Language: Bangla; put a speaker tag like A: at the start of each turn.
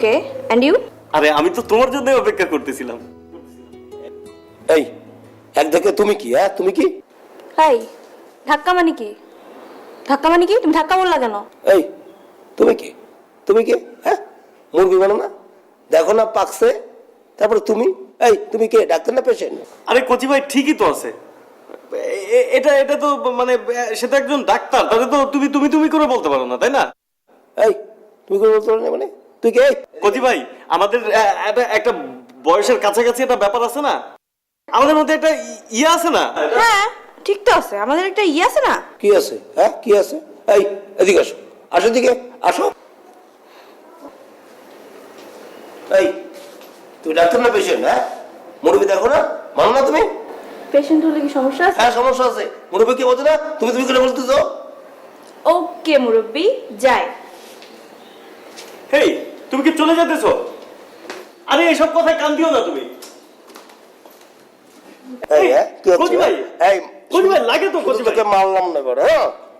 A: Okay and you?
B: আরে আমি তো তোমার জন্য অপেক্ষা করতেছিলাম।
C: এই এক দেখে তুমি কি? হ্যাঁ তুমি কি?
A: হাই, ধাক্কা মানে কি? ধাক্কা মানে কি? তুমি ধাক্কা বললা কেন?
C: এই তুমি কি? তুমি কি? হ্যাঁ মুরগি বানো না, দেখো না পাকছে, তারপরে তুমি এই তুমি কে? ডাক্তার না পেশেন্ট?
B: আরে কচি ভাই ঠিকই তো আছে। এটা এটা তো মানে সে তো একজন ডাক্তার, তাহলে তো তুমি তুমি তুমি করে বলতে পারো না, তাই না?
C: এই তুমি করে বলতে পারো না মানে? তুই কে?
B: কচি ভাই আমাদের একটা বয়সের কাছাকাছি একটা ব্যাপার আছে না, আমাদের মধ্যে একটা ইয়ে আছে না?
A: হ্যাঁ ঠিক তো আছে, আমাদের একটা ইয়ে আছে না?
C: কি আছে? হ্যাঁ কি আছে? এই এদিকে আসো, আসো দিকে আসো। এই তুমি ডাক্তার না পেশেন্ট? হ্যাঁ মুরগি দেখো না, মানো না তুমি?
A: পেশেন্ট হলে কি সমস্যা আছে?
C: হ্যাঁ সমস্যা আছে। মুরব্বী কি বলছো না? তুমি তুমি করে বলতেছো?
A: ওকে মুরব্বি, যাই।
B: হেই তুমি কি চলে যেতেছো? আরে এইসব কথায় কান দিও না তুমি।
C: এই হ্যাঁ কি হচ্ছে?
B: কচি ভাই,
C: এই
B: কচি ভাই লাগে তো কচি ভাই।
C: তোকে মারলাম না এবার। হ্যাঁ